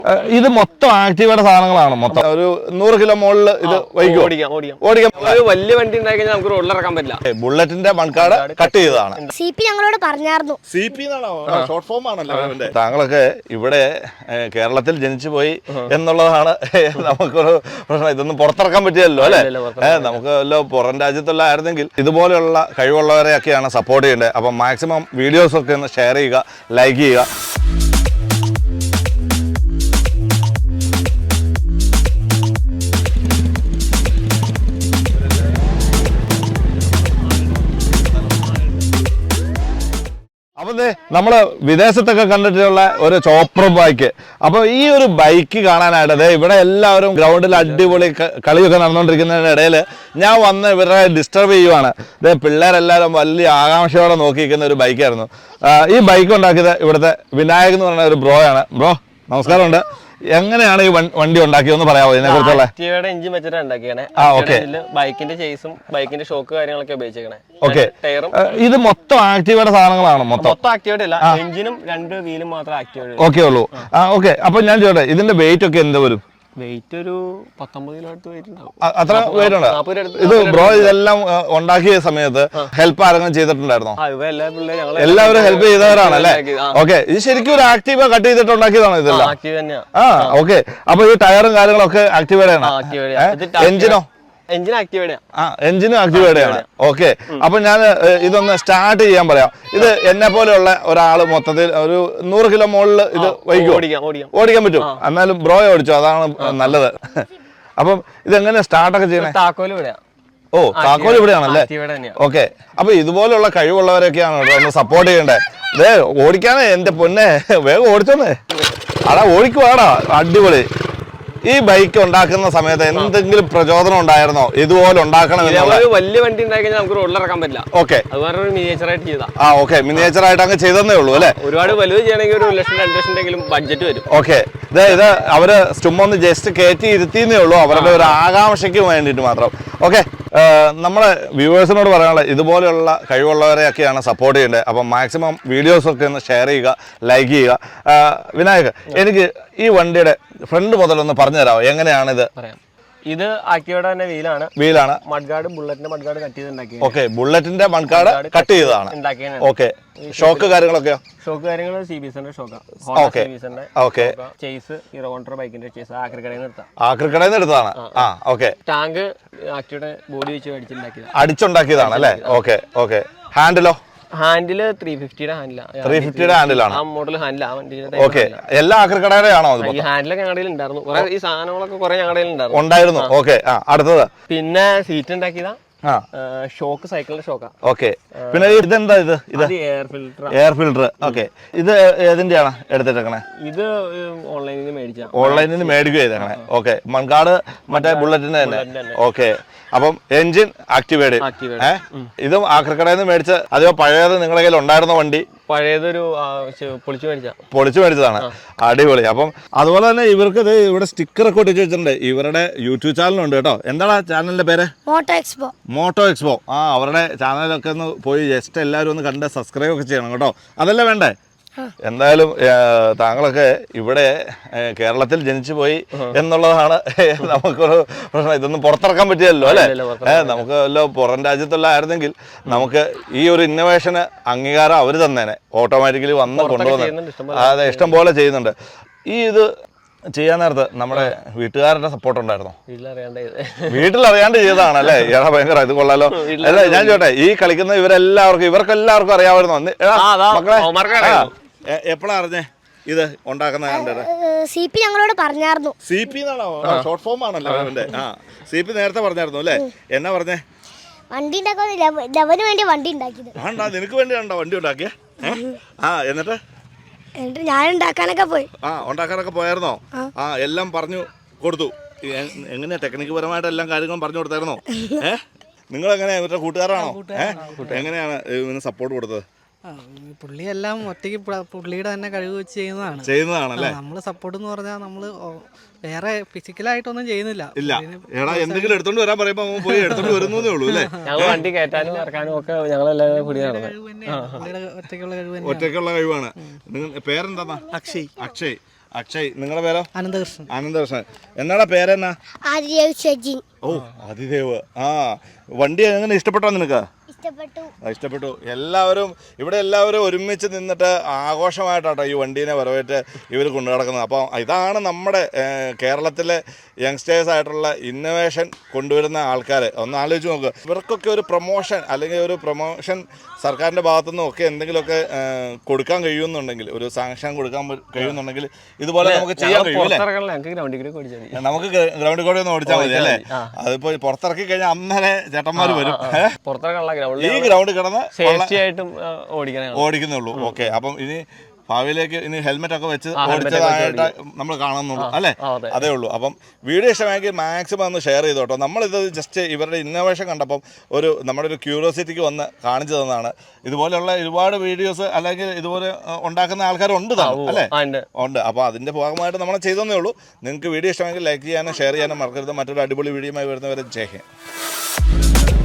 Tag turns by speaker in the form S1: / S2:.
S1: ഇത് മൊത്തം ആക്റ്റീവയുടെ സാധനങ്ങളാണ്. മൊത്തം ഒരു 100 കിലോ മുകളിൽ ഇത് ഓടിക്കാം.
S2: വലിയ വണ്ടി ഉണ്ടായി നമുക്ക് റോഡിൽ ഇറക്കാൻ പറ്റില്ല.
S1: ബുള്ളറ്റിന്റെ മൺകാട് കട്ട് ചെയ്തതാണ്.
S3: CP ഞങ്ങളോട് പറഞ്ഞായിരുന്നു.
S1: ഷോർട്ട് ഫോം ആണല്ലോ. താങ്കളൊക്കെ ഇവിടെ കേരളത്തിൽ ജനിച്ചു പോയി എന്നുള്ളതാണ് നമുക്കൊരു പ്രശ്നം. ഇതൊന്നും പുറത്തിറക്കാൻ പറ്റിയല്ലോ അല്ലെ. നമുക്ക് വല്ല പുറം രാജ്യത്തുള്ള ആയിരുന്നെങ്കിൽ ഇതുപോലെയുള്ള കഴിവുള്ളവരെയൊക്കെയാണ് സപ്പോർട്ട് ചെയ്യേണ്ടത്. അപ്പം മാക്സിമം വീഡിയോസ് ഒക്കെ ഒന്ന് ഷെയർ ചെയ്യുക, ലൈക്ക് ചെയ്യുക. അപ്പൊ നമ്മള് വിദേശത്തൊക്കെ കണ്ടിട്ടുള്ള ഒരു ചോപ്പർ ബൈക്ക്. അപ്പൊ ഈ ഒരു ബൈക്ക് കാണാനായിട്ട് ഇവിടെ എല്ലാവരും ഗ്രൗണ്ടിൽ അടിപൊളി കളിയൊക്കെ നടന്നുകൊണ്ടിരിക്കുന്നതിന്റെ ഇടയിൽ ഞാൻ വന്ന് ഇവരെ ഡിസ്റ്റർബ് ചെയ്യുവാണ്. പിള്ളേരെല്ലാവരും വലിയ ആകാംക്ഷയോടെ നോക്കിയിരിക്കുന്ന ഒരു ബൈക്കായിരുന്നു. ഈ ബൈക്ക് ഉണ്ടാക്കിയത് ഇവിടുത്തെ വിനായക് എന്ന് പറയുന്ന ഒരു ബ്രോയാണ്. ബ്രോ നമസ്കാരമുണ്ട്. എങ്ങനെയാണ് ഈ വണ്ടി ഉണ്ടാക്കിയെന്ന് പറയാമോ ഇതിനെ കുറിച്ചുള്ള?
S2: എഞ്ചിൻ വെച്ചിട്ടാണ് ഉണ്ടാക്കിയാണ്. ബൈക്കിന്റെ ചേസും ബൈക്കിന്റെ ഷോക്ക് കാര്യങ്ങളൊക്കെ ഉപയോഗിച്ചേക്കണേ.
S1: ഓക്കെ, ഇത് മൊത്തം ആക്റ്റീവയുടെ സാധനങ്ങളാണ്. മൊത്തം
S2: ആക്റ്റീവേറ്റ് അല്ല, എഞ്ചിനും 2 വീലും മാത്രം ആക്റ്റീവേറ്റ്
S1: ഓക്കെ ഉള്ളൂ. ഓക്കെ, അപ്പൊ ഞാൻ ചോട്ടെ, ഇതിന്റെ വെയിറ്റ് ഒക്കെ എന്താ വരും?
S2: വെയിറ്റ് ഒരു 19 കിലോ അടുത്ത് വെയിറ്റ് ഉണ്ടാവും.
S1: അത്ര വെയിറ്റ് ഉണ്ട്. ഇത് ബ്രോ ഇതെല്ലാം ഉണ്ടാക്കിയ സമയത്ത് ഹെൽപ്പ് ആരെങ്കിലും ചെയ്തിട്ടുണ്ടായിരുന്നോ? എല്ലാവരും ഹെൽപ്പ് ചെയ്തവരാണ് അല്ലേ? ഓക്കെ, ഇത് ശരിക്കും ഒരു ആക്റ്റീവ കട്ട് ചെയ്തിട്ട് ഉണ്ടാക്കിയതാണോ ഇതെല്ലാം? ഓക്കെ, അപ്പൊ ഈ ടയറും കാര്യങ്ങളൊക്കെ ആക്റ്റീവേഡ് ആണ്. എഞ്ചിനോ?
S2: എഞ്ചിൻ ആക്റ്റീവേഡ്
S1: ആണ്. ഓക്കെ, അപ്പൊ ഞാൻ ഇതൊന്ന് സ്റ്റാർട്ട് ചെയ്യാൻ പറയാം. ഇത് എന്നെ പോലെയുള്ള ഒരാള് മൊത്തത്തിൽ ഒരു 100 കിലോ മുകളിൽ ഇത് ഓടിക്കാൻ പറ്റും. എന്നാലും ബ്രോയെ ഓടിച്ചോ, അതാണ് നല്ലത്. അപ്പം ഇതെങ്ങനെ സ്റ്റാർട്ടൊക്കെ ചെയ്യണേ? താക്കോൽ ഇവിടെയാണല്ലേ? ഓക്കെ, അപ്പൊ ഇതുപോലുള്ള കഴിവുള്ളവരൊക്കെയാണ് ഒന്ന് സപ്പോർട്ട് ചെയ്യണ്ടേ. ഇതേ ഓടിക്കാനേ എന്റെ പൊന്നെ, വേഗം ഓടിച്ചോന്നേ. അടാ ഓടിക്കുവാടാ, അടിപൊളി. ഈ ബൈക്ക് ഉണ്ടാക്കുന്ന സമയത്ത് എന്തെങ്കിലും പ്രചോദനം ഉണ്ടായിരുന്നോ ഇതുപോലെ ഉണ്ടാക്കണം?
S2: വലിയ വണ്ടി ഉണ്ടായി നമുക്ക് റോഡിൽ ഇറക്കാൻ പറ്റില്ല.
S1: ഓക്കെ,
S2: മിനിയേച്ചറായിട്ട് ചെയ്താ.
S1: ഓക്കെ, മിനിയേച്ചർ ആയിട്ട് അങ്ങ് ചെയ്തേ ഉള്ളൂ അല്ലെ?
S2: ഒരുപാട് വലുത് ചെയ്യണമെങ്കിൽ 1 ലക്ഷം 2 ലക്ഷം ബഡ്ജറ്റ് വരും.
S1: ഓക്കെ, ഇത് അവര് ചുമ്മാ ജസ്റ്റ് കയറ്റി ഇരുത്തിന്നേ ഉള്ളൂ, അവരുടെ ഒരു ആകാംക്ഷയ്ക്ക് വേണ്ടിയിട്ട് മാത്രം. ഓക്കെ, നമ്മളെ വ്യൂവേഴ്സിനോട് പറയാനുള്ള ഇതുപോലെയുള്ള കഴിവുള്ളവരെയൊക്കെയാണ് സപ്പോർട്ട് ചെയ്യേണ്ടത്. അപ്പം മാക്സിമം വീഡിയോസൊക്കെ ഒന്ന് ഷെയർ ചെയ്യുക, ലൈക്ക് ചെയ്യുക. വിനായക്, എനിക്ക് ഈ വണ്ടിയുടെ ഫ്രണ്ട് മുതലൊന്ന് പറഞ്ഞു തരാമോ എങ്ങനെയാണിത്?
S2: ഇത് ആക്റ്റീവയുടെ തന്നെ വീലാണ്. മഡ്ഗാർഡ് ബുള്ളറ്റിന്റെ മഡ്ഗാർഡ് കട്ട് ചെയ്ത്.
S1: ഓക്കെ, ബുള്ളറ്റിന്റെ മൺകാട് കട്ട് ചെയ്തതാണ്. ഓക്കെ, ഷോക്ക് കാര്യങ്ങളൊക്കെയോ?
S2: ഷോക്ക് കാര്യങ്ങൾ CBSന്റെ ഷോക്കാണ്.
S1: ഓക്കെ,
S2: ചേസ് ഹീറോ ഹോണ്ടർ ബൈക്കിന്റെ ചേസ് ആക്രിക്കടയിൽ
S1: നിന്ന് എടുത്തതാണ്. ഓക്കെ,
S2: ടാങ്ക് ആക്റ്റീവയുടെ ബോഡി വെച്ച്
S1: അടിച്ചുണ്ടാക്കിയതാണ് അല്ലേ? Okay, okay. ഹാൻഡിലോ?
S2: ഹാൻഡില് 350യുടെ
S1: ഹാൻഡിലാണ്.
S2: മോഡൽ ഹാൻഡിലാണ്.
S1: ഓക്കെ, എല്ലാ ആക്രിക്കടയുടെ ആണോ?
S2: ഈ ഹാൻഡിലൊക്കെ ഞങ്ങളുടെ ഉണ്ടായിരുന്നു. ഈ സാധനങ്ങളൊക്കെ കുറെ ഞങ്ങളുടെ
S1: ഉണ്ടായിരുന്നു. ഓക്കെ, അടുത്തത്
S2: പിന്നെ സീറ്റ് ഉണ്ടാക്കിയതാ. ഷോക്ക് സൈക്കിളിന്റെ ഷോക്കാ.
S1: ഓക്കെ, പിന്നെ ഇതെന്താ? ഇത് എയർ ഫിൽട്ടർ. ഓക്കെ, ഇത് ഏതിന്റെയാണ് എടുത്തിട്ടേക്കണേ?
S2: ഇത്
S1: ഓൺലൈനിൽ നിന്ന് മേടിക്കുക ചെയ്തേക്കണേ. ഓക്കെ, മൺകാട് മറ്റേ ബുള്ളറ്റിന്റെ തന്നെ. ഓക്കെ, അപ്പം എഞ്ചിൻ ആക്റ്റീവേഡ്. ഇതും ആക്രിക്കടയിൽ നിന്ന് മേടിച്ച അതോ പഴയത് നിങ്ങളുടെ കയ്യിൽ ഉണ്ടായിരുന്ന വണ്ടി?
S2: പഴയതൊരു
S1: പൊളിച്ചു മേടിച്ചതാണ്. അടിപൊളി. അപ്പം അതുപോലെ തന്നെ ഇവർക്ക് ഇവിടെ സ്റ്റിക്കർ ഒക്കെ ഒട്ടിച്ച് വെച്ചിട്ടുണ്ട്. ഇവരുടെ യൂട്യൂബ് ചാനലുണ്ട് കേട്ടോ. എന്താണ് ചാനലിന്റെ പേര്? Moto Expo. അവരുടെ ചാനലൊക്കെ ഒന്ന് പോയി ജസ്റ്റ് എല്ലാവരും ഒന്ന് കണ്ട് സബ്സ്ക്രൈബ് ഒക്കെ ചെയ്യണം കേട്ടോ. അതല്ലേ വേണ്ടേ? എന്തായാലും താങ്കളൊക്കെ ഇവിടെ കേരളത്തിൽ ജനിച്ചു പോയി എന്നുള്ളതാണ് നമുക്കൊരു പ്രശ്നം. ഇതൊന്നും പുറത്തിറക്കാൻ പറ്റിയല്ലോ അല്ലെ. നമുക്ക് വല്ല പുറം രാജ്യത്തുള്ള ആയിരുന്നെങ്കിൽ നമുക്ക് ഈ ഒരു ഇന്നോവേഷന് അംഗീകാരം അവർ തന്നേനെ. ഓട്ടോമാറ്റിക്കലി വന്ന് കൊണ്ടുവന്ന് അതെ ഇഷ്ടം പോലെ ചെയ്യുന്നുണ്ട്. ഇത് ചെയ്യാൻ നേരത്ത് നമ്മുടെ വീട്ടുകാരുടെ സപ്പോർട്ട് ഉണ്ടായിരുന്നോ? വീട്ടിലറിയാണ്ട് ചെയ്തതാണ് അല്ലേ? ഏടാ ഭയങ്കര ഇത് കൊള്ളാലോ. അല്ല ഞാൻ ചോട്ടെ, ഈ കളിക്കുന്ന ഇവർക്കെല്ലാവർക്കും അറിയാമായിരുന്നോ മക്കളെ? എപ്പോഴാ അറിഞ്ഞേ ഇത് ഉണ്ടാക്കുന്ന?
S3: CP ഞങ്ങളോട് പറഞ്ഞായിരുന്നു.
S1: CP എന്നാണോ? ഷോർട്ട് ഫോം ആണല്ലോ അവന്റെ. CP നേരത്തെ പറഞ്ഞായിരുന്നു അല്ലേ? എന്നാ പറഞ്ഞേ?
S3: വണ്ടി ഉണ്ടാക്കാൻ വേണ്ടി വണ്ടി ഉണ്ടാക്കിയത്.
S1: നിനക്ക് വേണ്ടിയാണോ വണ്ടി ഉണ്ടാക്കിയ? എന്നിട്ട്
S3: ഞാൻ ഉണ്ടാക്കാനൊക്കെ പോയി.
S1: ഉണ്ടാക്കാനൊക്കെ പോയായിരുന്നോ? എല്ലാം പറഞ്ഞു കൊടുത്തു. എങ്ങനെയാ ടെക്നിക്ക് പരമായിട്ട് എല്ലാം കാര്യങ്ങളും പറഞ്ഞു കൊടുത്തായിരുന്നോ? നിങ്ങൾ എങ്ങനെയാ ഇവരുടെ കൂട്ടുകാരാണോ? എങ്ങനെയാണ് ഇതിന് സപ്പോർട്ട് കൊടുത്തത്?
S4: പുള്ളിയെല്ലാം ഒറ്റയ്ക്ക് പുള്ളിയുടെ തന്നെ കഴിവ് വെച്ച്
S1: ചെയ്യുന്നതാണല്ലേ?
S4: നമ്മള് സപ്പോർട്ട് എന്ന് പറഞ്ഞാൽ നമ്മള് വേറെ ഫിസിക്കലായിട്ടൊന്നും ചെയ്യുന്നില്ല.
S1: ഇല്ല, എടാ എന്തെങ്കിലും എടുത്തോണ്ട് വരാൻ പറയുമ്പോ പോയി എടുത്തോണ്ട് വരുന്നേ ഉള്ളൂ അല്ലേ?
S2: വണ്ടി കയറ്റാനും ഇറക്കാനും ഒക്കെ ഞങ്ങളെല്ലാവരും
S1: ഒറ്റയ്ക്കുള്ള കഴിവാണ്. പേരെന്താ?
S4: അക്ഷയ്.
S1: അക്ഷയ്. അക്ഷയ്. നിങ്ങളുടെ പേരോ?
S4: അനന്തകൃഷ്ണൻ.
S1: അനന്തകൃഷ്ണൻ. എന്നാടാ പേരെന്നാ?
S3: ആദിദേവ് സജിൻ.
S1: ഓ അതിദേവ്. വണ്ടി എങ്ങനെ ഇഷ്ടപ്പെട്ടോ നിനക്ക്?
S3: ഇഷ്ടപ്പെട്ടു.
S1: എല്ലാവരും ഒരുമിച്ച് നിന്നിട്ട് ആഘോഷമായിട്ടാട്ടോ ഈ വണ്ടീനെ വരവേറ്റ് ഇവർ കൊണ്ടു നടക്കുന്നത്. അപ്പോൾ ഇതാണ് നമ്മുടെ കേരളത്തിലെ യങ്സ്റ്റേഴ്സ് ആയിട്ടുള്ള ഇന്നോവേഷൻ കൊണ്ടുവരുന്ന ആൾക്കാർ. ഒന്ന് ആലോചിച്ച് നോക്കുക. ഇവർക്കൊക്കെ ഒരു പ്രൊമോഷൻ സർക്കാരിൻ്റെ ഭാഗത്തുനിന്നും ഒക്കെ എന്തെങ്കിലുമൊക്കെ കൊടുക്കാൻ കഴിയുമെന്നുണ്ടെങ്കിൽ, ഒരു സാങ്ഷൻ കൊടുക്കാൻ കഴിയുമെന്നുണ്ടെങ്കിൽ ഇതുപോലെ നമുക്ക് ചെയ്യാൻ കഴിയും. നമുക്ക് ഗ്രൗണ്ടിൽ കൂടെ ഒന്ന് ഓടിച്ചാൽ മതി അല്ലേ? അതിപ്പോൾ പുറത്തിറക്കി കഴിഞ്ഞാൽ അന്നേരെ ചേട്ടന്മാർ വരും. ഈ ഗ്രൗണ്ട് കിടന്ന് ഓടിക്കുന്നുള്ളൂ. ഓക്കെ. അപ്പം ഇനി ഭാവിയിലേക്ക് ഇനി ഹെൽമെറ്റ് ഒക്കെ വെച്ച് ഓടിച്ചതായിട്ട് നമ്മൾ കാണുന്നുള്ളൂ അല്ലേ? അതേ ഉള്ളൂ. അപ്പം വീഡിയോ ഇഷ്ടമായെങ്കിൽ മാക്സിമം ഒന്ന് ഷെയർ ചെയ്തു കേട്ടോ. നമ്മളിത് ജസ്റ്റ് ഇവരുടെ ഇന്നോവേഷൻ കണ്ടപ്പം നമ്മുടെ ഒരു ക്യൂരിയോസിറ്റിക്ക് വന്ന് കാണിച്ചു തന്നതാണ്. ഇതുപോലെയുള്ള ഒരുപാട് വീഡിയോസ് അല്ലെങ്കിൽ ഇതുപോലെ ഉണ്ടാക്കുന്ന ആൾക്കാരുണ്ട് അല്ലേ? ഉണ്ട്. അപ്പോൾ അതിൻ്റെ ഭാഗമായിട്ട് നമ്മൾ ചെയ്തതേ ഉള്ളൂ. നിങ്ങൾക്ക് വീഡിയോ ഇഷ്ടമെങ്കിൽ ലൈക്ക് ചെയ്യാനും ഷെയർ ചെയ്യാനും മറക്കരുത്. മറ്റൊരു അടിപൊളി വീഡിയോയുമായി വരുന്നവരെ ജയ് ഹിന്ദ്.